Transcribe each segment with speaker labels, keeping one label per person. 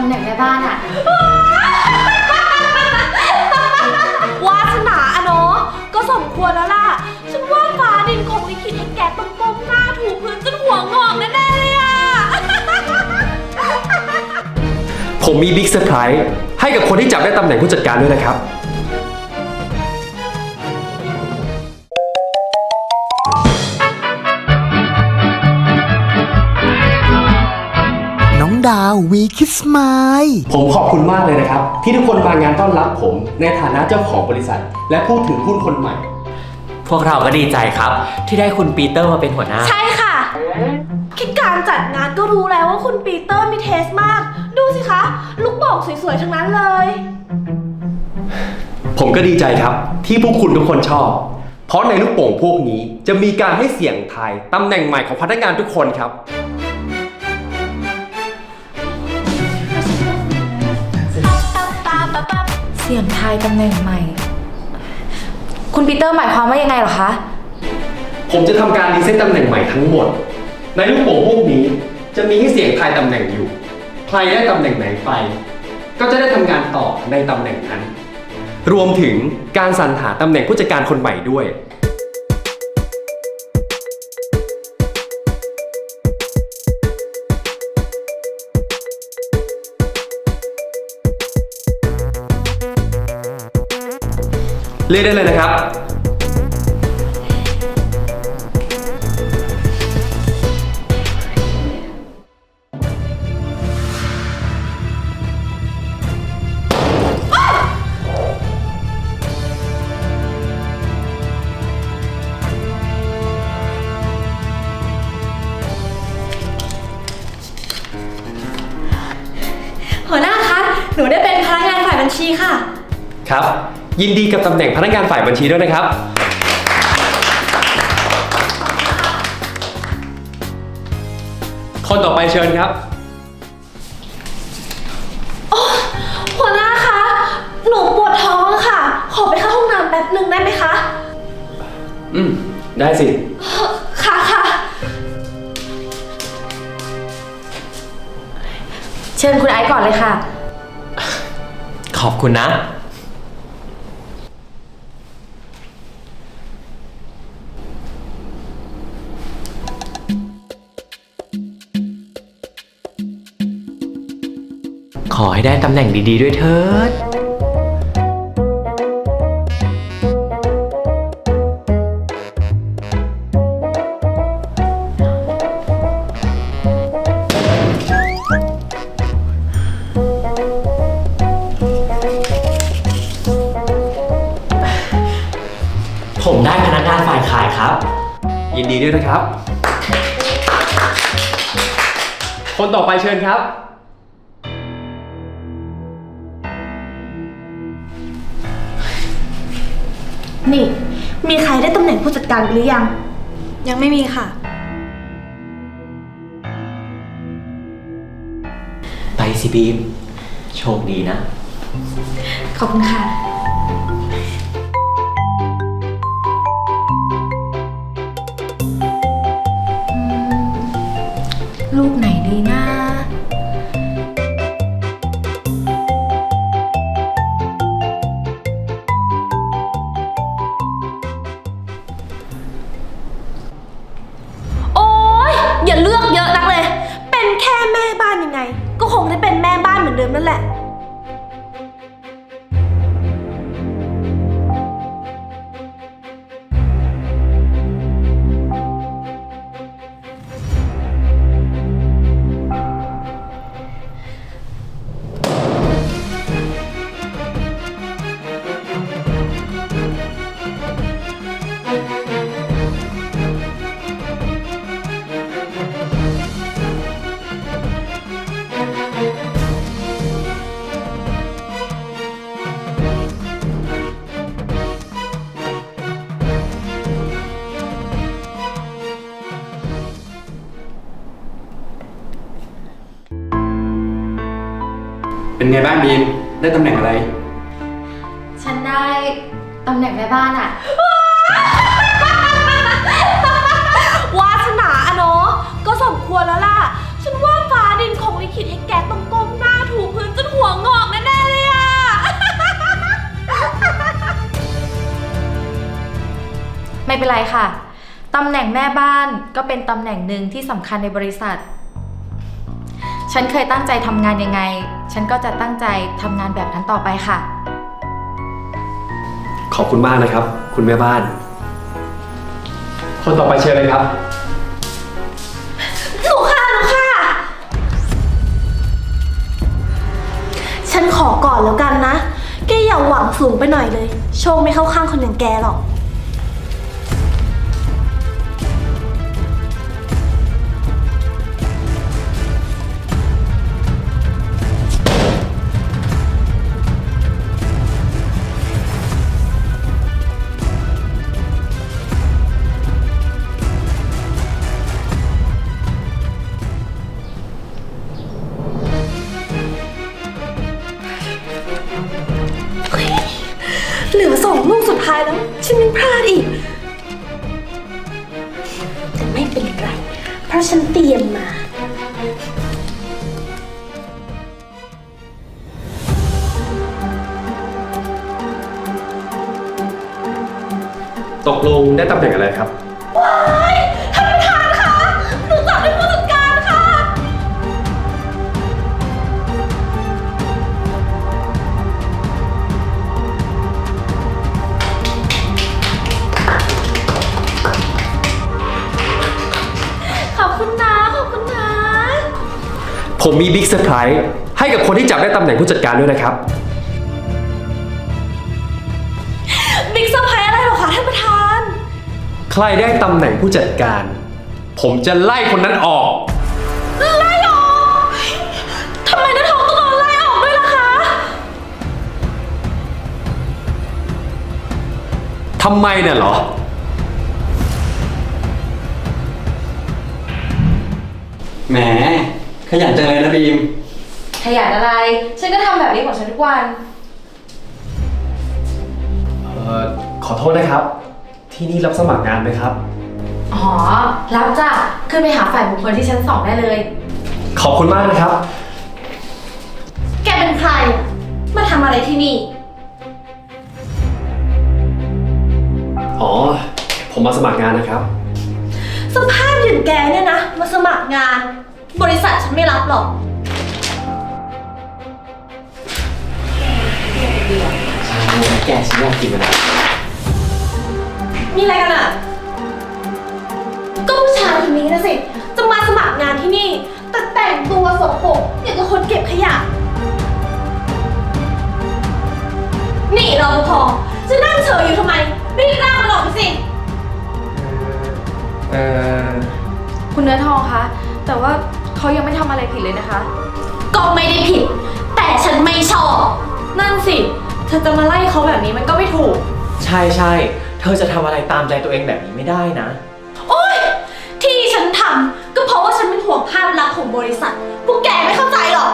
Speaker 1: ำแหน่งแม่บ้านอะ
Speaker 2: วาสนาอะเนาะก็สมควรแล้วล่ะฉันว่าฟ้าดินคงลิขิตให้แกต้องก้มหน้าถูพื้นจนหัวงอกแน่ๆเลยอะ
Speaker 3: ผมมีบิ๊กเซอร์ไพรส์ให้กับคนที่จับได้ตำแหน่งผู้จัดการด้วยนะครับ
Speaker 4: น้องดาววีคิสไมล์
Speaker 3: ผมขอบคุณมากเลยนะครับ ที่ทุกคนมางานต้อนรับผมในฐานะเจ้าของบริษัท และผู้ถือหุ้นคนใหม่
Speaker 5: พวกเราก็ดีใจครับที่ได้คุณปีเตอร์มาเป็นหัวหน้า
Speaker 2: ใช่ค่ะแค่การจัดงานก็รู้แล้วว่าคุณปีเตอร์มีเทสมาก ดูสิคะ ลูกโป่งสวยๆทั้งนั้นเลย
Speaker 3: ผมก็ดีใจครับที่พวกคุณทุกคนชอบ เพราะในลูกโป่งพวกนี้จะมีการให้เสี่ยงทายตำแหน่งใหม่ของพนักงานทุกคนครับ
Speaker 1: เสี่ยงทายตำแหน่งใหม่ คุณปีเตอร์หมายความว่ายังไงเหรอคะ
Speaker 3: ผมจะทำการรีเซ็ตตำแหน่งใหม่ทั้งหมด ในลูกโป่งพวกนี้จะมีให้เสี่ยงทายตำแหน่งอยู่ ใครได้ตำแหน่งไหนไป ก็จะได้ทำงานต่อในตำแหน่งนั้น รวมถึงการสรรหาตำแหน่งผู้จัดการคนใหม่ด้วย เรียกได้เลยนะครับ
Speaker 2: หัวหน้าคะ หนูได้เป็นพนักงานฝ่ายบัญชีค่ะ
Speaker 3: ครับ ยินดีกับตำแหน่งพนักงานฝ่ายบัญชีด้วยนะครับ คนต่อไปเชิญครับ
Speaker 2: หัวหน้าคะ หนูปวดท้องค่ะ ขอไปเข้าห้องน้ำแป๊บหนึ่งได้ไหมคะ
Speaker 3: ได้สิ
Speaker 2: ค่ะค่ะ
Speaker 1: เชิญคุณไอซ์ก่อนเลยค่ะ
Speaker 5: ขอบคุณนะ ขอให้ได้ตำแหน่งดีๆด้วยเถิด ผมได้พนักงานฝ่ายขายครับ
Speaker 3: ยินดีด้วยนะครับ คนต่อไปเชิญครับ
Speaker 2: นี่ มีใครได้ตำแหน่งผู้จัดการหรือยัง
Speaker 1: ยังไม่มีค่ะ
Speaker 5: ไปสิบีม โชคดีนะ
Speaker 1: ขอบคุณค่ะ ลูกไหนดีนะ
Speaker 2: โอ๊ย อย่าเลือกเยอะนักเลย เป็นแค่แม่บ้านยังไง ก็คงได้เป็นแม่บ้านเหมือนเดิมนั่นแหละ
Speaker 3: เป็นไงบ้างบีม ได้ตำแหน่งอะไร
Speaker 1: ฉันได้ตำแหน่งแม่บ้านอะ
Speaker 2: วาสนาอะเนาะก็สมควรแล้วล่ะ ฉันว่าฟ้าดินคงลิขิตให้แกต้องก้มหน้าถูพื้น
Speaker 1: เป็นไรค่ะ ตำแหน่งแม่บ้านก็เป็นตำแหน่งหนึ่งที่สำคัญในบริษัท ฉันเคยตั้งใจทำงานยังไง ฉันก็จะตั้งใจทำงานแบบนั้นต่อไปค่ะ
Speaker 3: ขอบคุณมากนะครับ คุณแม่บ้าน คนต่อไปเชิญเลยครับ
Speaker 2: หนูค่ะ ฉันขอก่อนแล้วกันนะ แกอย่าหวังสูงไปหน่อยเลย โชคไม่เข้าข้างคนอย่างแกหรอก เหลือ2 ลูกสุดท้ายแล้ว ฉันยังพลาดอีก แต่ไม่เป็นไร เพราะฉันเตรียมมา
Speaker 3: ตกลงได้ตำแหน่งอะไรครับ
Speaker 2: ว้ายท่านประธานคะ หนูจับได้ผู้จัดการค่ะ ขอบคุณนะ
Speaker 3: ผมมีบิ๊กเซอร์ไพรส์ให้กับคนที่จับได้ตำแหน่งผู้จัดการด้วยนะครับ
Speaker 2: บิ๊กเซอร์ไพรส์อะไรเหรอคะท่านประธาน
Speaker 3: ใครได้ตำแหน่งผู้จัดการ ผมจะไล่คนนั้นออก
Speaker 2: ไล่ออกทำไมน้าทองต้องโดนไล่ออกด้วยล่ะคะ
Speaker 3: ทำไมเนี่ยเหรอ
Speaker 5: แหม ขยันจังเลยนะบีม
Speaker 1: ขยันอะไร ฉันก็ทำแบบนี้ของฉันทุกวัน
Speaker 3: ขอโทษนะครับ ที่นี่รับสมัครงานไหมครับ
Speaker 1: อ๋อ รับจ้ะ ขึ้นไปหาฝ่ายบุคคลที่ชั้น 2ได้เลย
Speaker 3: ขอบคุณมากนะครับ
Speaker 2: แกเป็นใครอะมาทำอะไรที่นี่
Speaker 3: อ๋อ ผมมาสมัครงานนะครับ
Speaker 2: สภาพอย่างแกเนี่ยนะ มาสมัครงาน บริษัทฉันไม่รับหรอก
Speaker 5: แกฉันอยากกินอะไร
Speaker 2: มีอะไรกันอ่ะ ก็ผู้ชายคนนี้นะสิ จะมาสมัครงานที่นี่ แต่แต่งตัวสกปรกอย่างกับคนเก็บขยะ นี่รปภจะนั่งเฉยอยู่ทำไม รีบร่างมันออกไปสิ
Speaker 1: คุณเนื้อทองคะ แต่ว่าเขายังไม่ทำอะไรผิดเลยนะคะ
Speaker 2: ก็ไม่ได้ผิด แต่ฉันไม่ชอบ
Speaker 1: นั่นสิ เธอจะมาไล่เขาแบบนี้มันก็ไม่ถูก
Speaker 5: ใช่ เธอจะทำอะไรตามใจตัวเองแบบนี้ไม่ได้นะ
Speaker 2: โอ๊ย ที่ฉันทำก็เพราะว่าฉันเป็นห่วงภาพลักษณ์ของบริษัท พวกแกไม่เข้าใจหรอก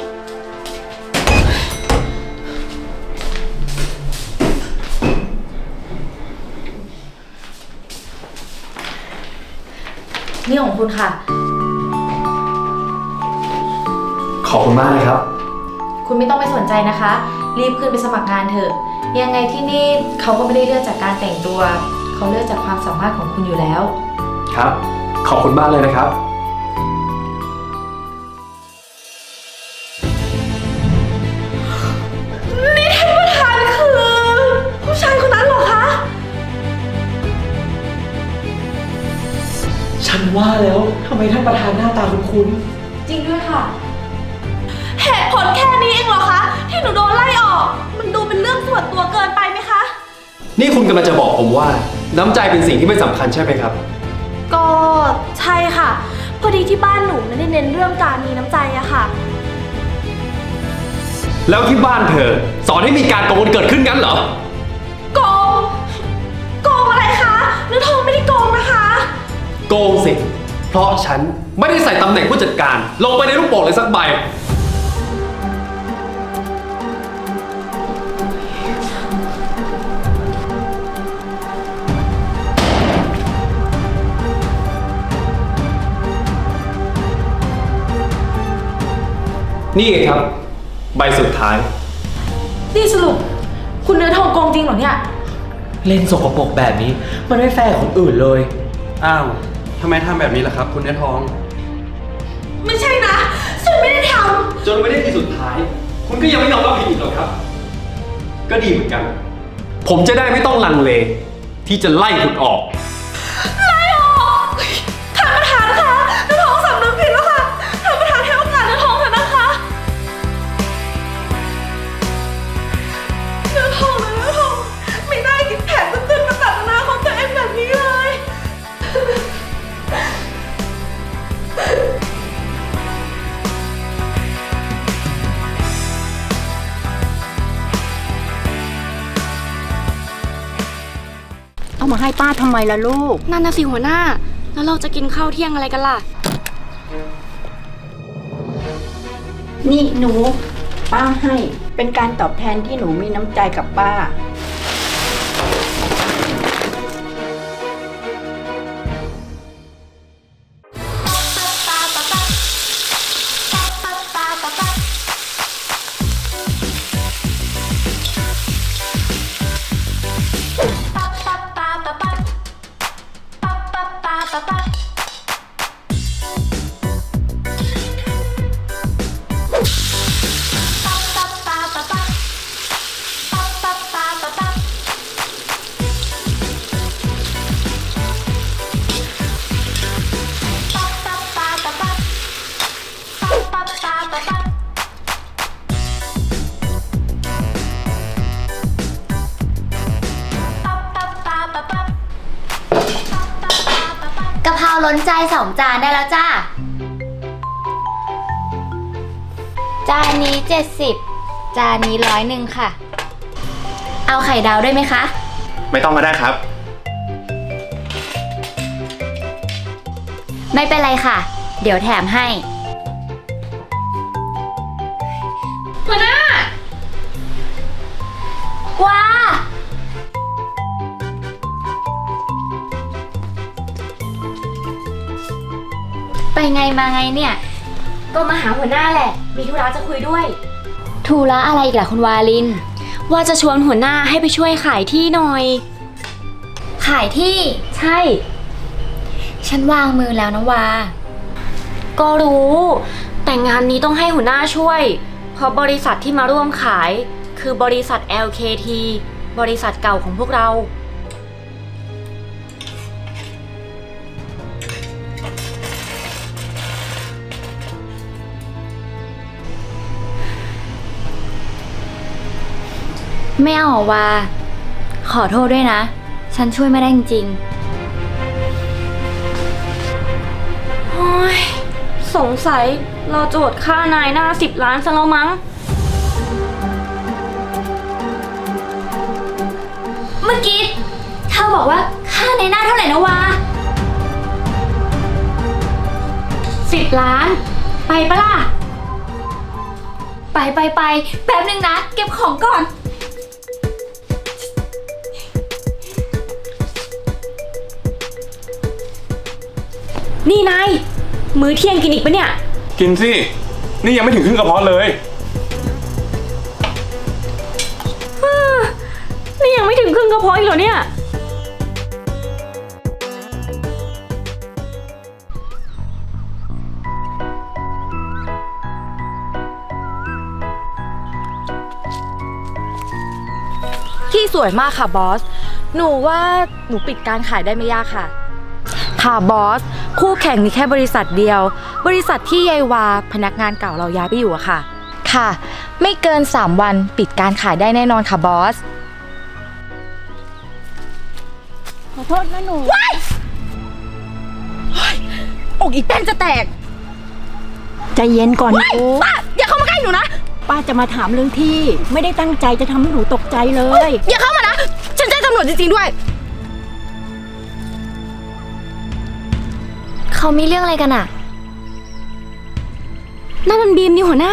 Speaker 1: นี่ของคุณค่ะ
Speaker 3: ขอบคุณมากนะครับ
Speaker 1: คุณไม่ต้องไปสนใจนะคะ รีบขึ้นไปสมัครงานเถอะ ยังไงที่นี่เขาก็ไม่ได้เลือกจากการแต่งตัว เขาเลือกจากความสามารถของคุณอยู่แล้ว
Speaker 3: ครับ ขอบคุณมากเลยนะครับ
Speaker 2: นี่ท่านประธานคือผู้ชายคนนั้นเหรอคะ
Speaker 5: ฉันว่าแล้วทำไมท่านประธานหน้าตาคุ้น
Speaker 1: จริงด้วยค่ะ
Speaker 2: เหตุผลแค่นี้เองเหรอคะ ที่หนูโดนไล่ออก มันดูเป็นเรื่องส่วนตัวเกินไปไหมคะ
Speaker 3: นี่คุณกำลังจะบอกผมว่า น้ำใจเป็นสิ่งที่ไม่สำคัญใช่ไหมครับ
Speaker 2: ก็ใช่ค่ะ พอดีที่บ้านหนูไม่ได้เน้นเรื่องการมีน้ำใจอะค่ะ
Speaker 3: แล้วที่บ้านเธอ สอนให้มีการโกงเกิดขึ้นงั้นเหรอ
Speaker 2: โกง โกงอะไรคะเนื้อทองไม่ได้โกงนะคะ
Speaker 3: โกงสิ เพราะฉันไม่ได้ใส่ตำแหน่งผู้จัดการ ลงไปในลูกโป่งเลยสักใบ นี่ไงครับ ใบสุดท้าย
Speaker 1: นี่สรุป คุณเนื้อทองโกงจริงเหรอเนี่ย
Speaker 5: เล่นสกปรกแบบนี้ มันไม่แฟร์กับคนอื่นเลย
Speaker 3: อ้าวทำไมทำแบบนี้ล่ะครับ คุณเนื้อทอง
Speaker 2: ไม่ใช่นะ ฉันไม่ได้ท
Speaker 3: จนไม่ได้ที่สุดท้าย คุณก็ยังไม่ยอมรับผิดอีกหรอครับ ก็ดีเหมือนกัน ผมจะได้ไม่ต้องลังเล ที่จะไล่คุณออก
Speaker 2: ำท่านประธานคะเนื้อทองสำนึกผิดแล้วค่ะท่านประธานให้โอกาสเนื้อทองเถอะนะคะเนื้อทองนะเนื้อทองไม่ได้คิดแผนตื้นๆมาตัดอนาคตตัวเองแบบนี้เลย
Speaker 6: เอามาให้ป้าทำไมล่ะลูก
Speaker 7: นั่นนะสิหัวหน้า แล้วเราจะกินข้าวเที่ยงอะไรกันล่ะ
Speaker 6: นี่หนู ป้าให้เป็นการตอบแทนที่หนูมีน้ำใจกับป้า
Speaker 8: กะเพราล้นใจ2 จานได้แล้วจ้า จานนี้70 จานนี้101ค่ะ เอาไข่ดาวด้วยไหมคะ
Speaker 9: ไม่ต้องก็ได้ครับ
Speaker 8: ไม่เป็นไรค่ะ เดี๋ยวแถมให้
Speaker 7: หัวหน้า
Speaker 8: ว้า ไปไงมาไงเนี่ย
Speaker 7: ก็มาหาหัวหน้าแหละ มีธุระจะคุยด้วย
Speaker 8: ธุระอะไรอีกล่ะคุณวาลิน
Speaker 7: ว่าจะชวนหัวหน้าให้ไปช่วยขายที่หน่อย
Speaker 8: ขายที่
Speaker 7: ใช่
Speaker 8: ฉันวางมือแล้วนะวา
Speaker 7: ก็รู้ แต่งานนี้ต้องให้หัวหน้าช่วย เพราะบริษัทที่มาร่วมขาย คือบริษัท LKT บริษัทเก่าของพวกเรา
Speaker 8: ไม่เอาหรอวา ขอโทษด้วยนะ ฉันช่วยไม่ได้จริง
Speaker 7: โอ้ย สงสัยเราโจทย์ค่านายหน้า10 ล้านซะแล้วมั้ง
Speaker 8: เมื่อกี้เธอบอกว่าค่าในหน้าเท่าไหร่นะวา
Speaker 7: 10 ล้าน ไปปะล่ะ
Speaker 8: ไปแป๊บนึงนะ เก็บของก่อน
Speaker 7: นี่นาย มื้อเที่ยงกินอีกปะเนี่ย
Speaker 9: กินสิ นี่ยังไม่ถึงครึ่งกระเพาะเลย
Speaker 7: นี่ยังไม่ถึงครึ่งกระเพาะอีกเหรอเนี่ย
Speaker 1: ที่สวยมากค่ะบอส หนูว่าหนูปิดการขายได้ไม่ยากค่ะ ค่ะบอส คู่แข่งมีแค่บริษัทเดียว บริษัทที่ยายวาพนักงานเก่าเราย้ายไปอยู่อะค่ะ ค่ะ ไม่เกิน 3 วันปิดการขายได้แน่นอนค่ะบอส
Speaker 6: ขอโทษนะหนู
Speaker 1: อกอีแป้นจะแตก
Speaker 6: ใจเย็นก่อนหนู
Speaker 1: ป้าอย่าเข้ามาใกล้หนูนะ
Speaker 6: ป้าจะมาถามเรื่องที่ ไม่ได้ตั้งใจจะทำให้หนูตกใจเลย
Speaker 1: อย่าเข้ามานะ ฉันแจ้งตำรวจจริงๆด้วย
Speaker 8: เขามีเรื่องอะไรกันอะ
Speaker 7: นั่นมันบีมนี่หัวหน้า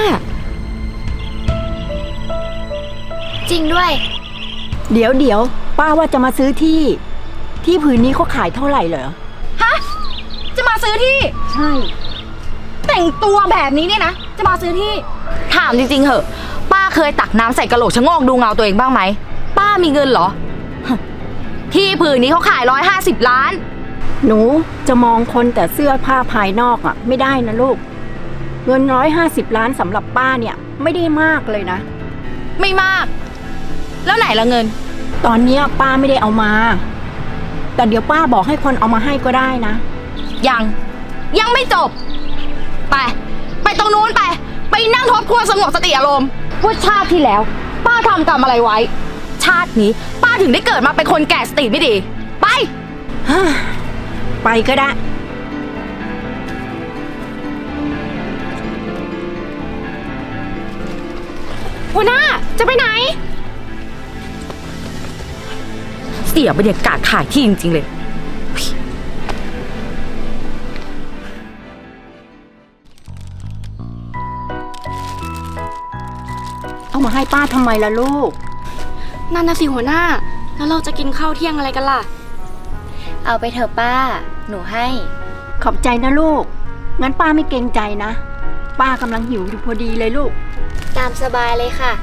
Speaker 8: จริงด้วย
Speaker 6: เดี๋ยวป้าว่าจะมาซื้อที่ ที่ผืนนี้เขาขายเท่าไหร่เหรอ
Speaker 1: ฮะ จะมาซื้อที่
Speaker 6: ใช่
Speaker 1: แต่งตัวแบบนี้เนี่ยนะ จะมาซื้อที่ ถามจริงๆเหอะ ป้าเคยตักน้ำใส่กระโหลกชะโงกดูเงาตัวเองบ้างไหม ป้ามีเงินเหรอที่ผืนนี้เขาขาย150 ล้าน
Speaker 6: หนูจะมองคนแต่เสื้อผ้าภายนอกไม่ได้นะลูก เงิน150 ล้านสำหรับป้าเนี่ยไม่ได้มากเลยนะ
Speaker 1: ไม่มาก แล้วไหนละเงิน
Speaker 6: ตอนเนี้ยป้าไม่ได้เอามา แต่เดี๋ยวป้าบอกให้คนเอามาให้ก็ได้นะ
Speaker 1: ยังไม่จบ ไปตรงนู้นไปนั่งทบทวนสงบสติอารมณ์ว่าชาติที่แล้ว ป้าทำกรรมอะไรไว้ ชาตินี้ป้าถึงได้เกิดมาเป็นคนแก่สติไม่ดี ไป
Speaker 6: ไปก็ได้
Speaker 1: หัวหน้าจะไปไหน เสียบรรยากาศขายที่จริงๆเลย
Speaker 6: เอามาให้ป้าทำไมล่ะลูก
Speaker 7: นั่นนะสิหัวหน้า แล้วเราจะกินข้าวเที่ยงอะไรกันล่ะ
Speaker 8: เอาไปเถอะป้า หนูให้
Speaker 6: ขอบใจนะลูก งั้นป้าไม่เกรงใจนะ ป้ากำลังหิวอยู่พอดีเลยลูก
Speaker 8: ตามสบายเลยค่ะ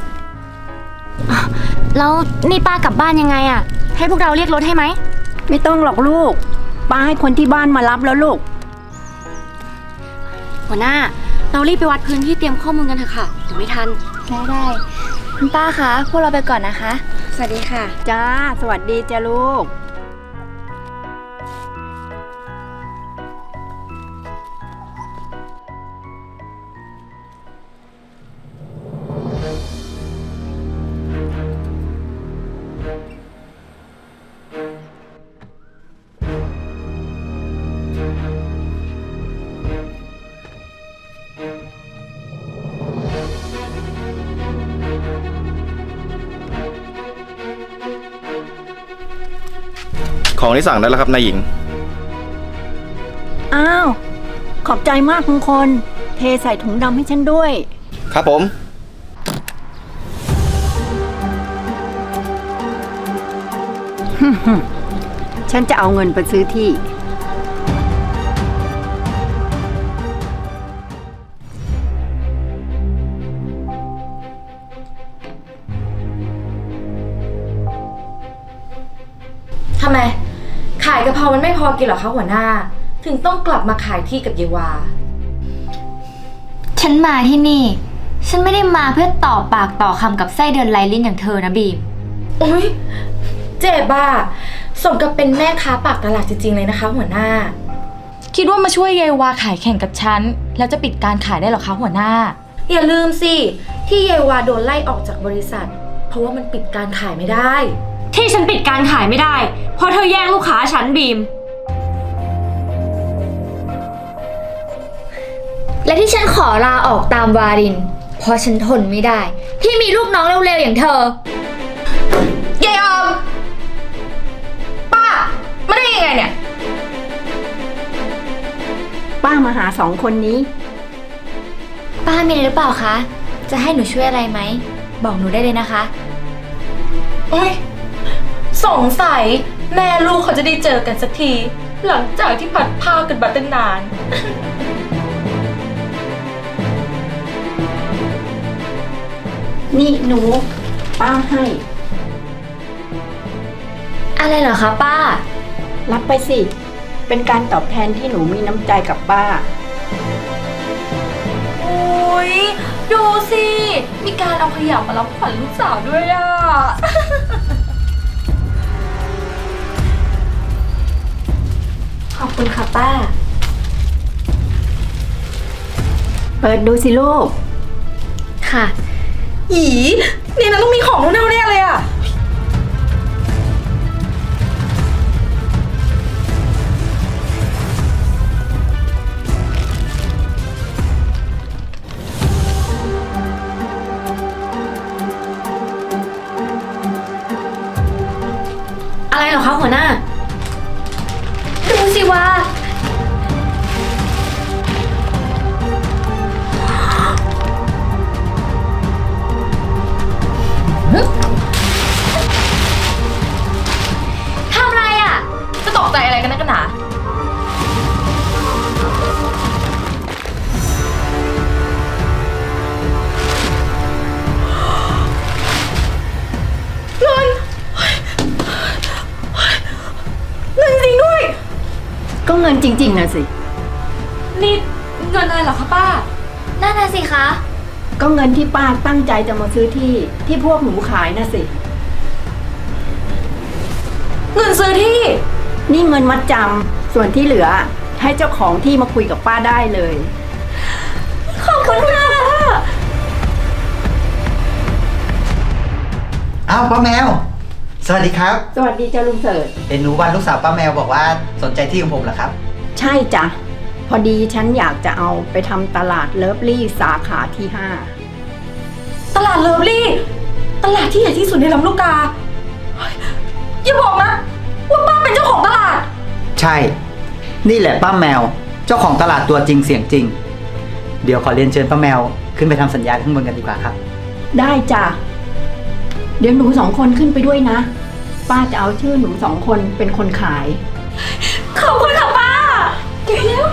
Speaker 7: แล้วนี่ป้ากลับบ้านยังไงอะให้พวกเราเรียกรถให้ไหม
Speaker 6: ไม่ต้องหรอกลูก ป้าให้คนที่บ้านมารับแล้วลูก
Speaker 7: หัวหน้า เรารีบไปวัดพื้นที่เตรียมข้อมูลกันเถอะค่ะเดี๋ยวไม่ทัน
Speaker 8: ได้คุณป้าคะ พวกเราไปก่อนนะคะ สวัสดีค่ะ
Speaker 6: จ้า สวัสดีจ้าลูก
Speaker 10: ของที่สั่งได้แล้วครับนายหญิง
Speaker 6: อ้าว ขอบใจมากทุกคน เทใส่ถุงดำให้ฉันด้วย
Speaker 10: ครับผม
Speaker 6: ฉันจะเอาเงินไปซื้อที่
Speaker 1: ทำไม ขายกะเพรามันไม่พอกินเหรอคะหัวหน้า ถึงต้องกลับมาขายที่กับเยวา
Speaker 8: ฉันมาที่นี่ ฉันไม่ได้มาเพื่อต่อปากต่อคำกับไส้เดือนไร้ลิ้นอย่างเธอนะบีม
Speaker 1: โอ๊ย เจ็บอ่ะสมกับเป็นแม่ค้าปากตลาดจริงๆเลยนะคะ หัวหน้า คิดว่ามาช่วยเยวาขายแข่งกับฉัน แล้วจะปิดการขายได้เหรอคะหัวหน้า อย่าลืมสิ ที่เยวาโดนไล่ออกจากบริษัท เพราะว่ามันปิดการขายไม่ได้
Speaker 7: ที่ฉันปิดการขายไม่ได้ เพราะเธอแย่งลูกค้าฉันบีม
Speaker 8: และที่ฉันขอลาออกตามวาริน เพราะฉันทนไม่ได้ ที่มีลูกน้องเร็วๆอย่างเธอ
Speaker 1: เยายออม ป้าไม่ได้ยังไงเนี่ย
Speaker 6: ป้ามาหาสองคนนี้
Speaker 8: ป้ามีอะไรหรือเปล่าคะ จะให้หนูช่วยอะไรไหม บอกหนูได้เลยนะคะ
Speaker 1: โอ๊ย สงสัยแม่ลูกเขาจะได้เจอกันสักที หลังจากที่ผัดผ้ากันมาตั้งนาน
Speaker 6: นี่หนู ป้าให้
Speaker 8: อะไรเหรอคะป้า
Speaker 6: รับไปสิ เป็นการตอบแทนที่หนูมีน้ำใจกับป้า
Speaker 1: โอ๊ย ดูสิ มีการเอาขยะมารับขวัญลูกสาวด้วยอ่ะ
Speaker 8: ขอบคุณค่ะป้า
Speaker 6: เปิดดูสิลูก
Speaker 8: ค่ะ
Speaker 1: อีนี่นะต้องมีของแน่ๆแน่เลยอ่ะ
Speaker 7: อะไรเหรอคะหัวหน้า
Speaker 8: ดูสิว่า
Speaker 1: ทำอะไรอ่ะ จะตกใจอะไรกันนักกันหนาเงิน
Speaker 6: เงินจริงๆนะสิ
Speaker 2: นี่เงินอะไรเหรอคะป้า
Speaker 8: นั่นน่ะสิคะ
Speaker 6: ก็เงินที่ป้าตั้งใจจะมาซื้อที่พวกหนูขายนะสิ
Speaker 2: เงินซื้อที่
Speaker 6: นี่เงินมัดจำส่วนที่เหลือ ให้เจ้าของที่มาคุยกับป้าได้เลย
Speaker 2: ขอบคุณค่ะ
Speaker 11: อ้าวป้าแมว สวัสดีครับ
Speaker 6: สวัสดีจ้าลุงเสิร์ช
Speaker 11: เห็นหนูวันลูกสาวป้าแมวบอกว่าสนใจที่ของผมเหรอครับ
Speaker 6: ใช่จ้ะ พอดีฉันอยากจะเอาไปทำตลาดเลิฟลี่สาขาที่
Speaker 2: ตลาดเลิฟลี่ ตลาดที่ใหญ่ที่สุดในลำลูกกาเฮ้ยอย่าบอกนะว่าป้าเป็นเจ้าของตลาด
Speaker 11: ใช่ นี่แหละป้าแมว เจ้าของตลาดตัวจริงเสียงจริง เดี๋ยวขอเรียนเชิญป้าแมวขึ้นไปทำสัญญาข้างบนกันดีกว่าครับ
Speaker 6: 5 ได้จ้ะ เดี๋ยวหนู2 คนขึ้นไปด้วยนะ ป้าจะเอาชื่อหนู2 คนเป็นคนขาย
Speaker 2: ขอบคุณค่ะป้าเก่งแล้ว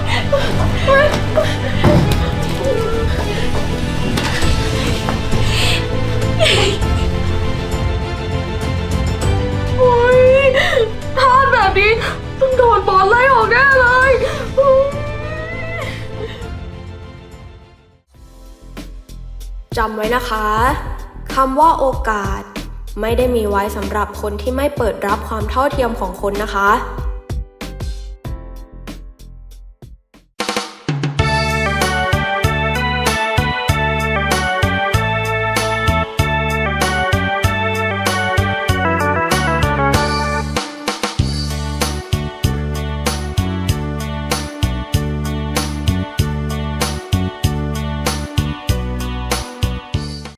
Speaker 2: โอ๊ยพลาดแบบนี้ต้องโดนบอลไล่ออกแน่เลยจำไว้นะคะคำว่าโอกาสไม่ได้มีไว้สำหรับคนที่ไม่เปิดรับความเท่าเทียมของคนนะคะ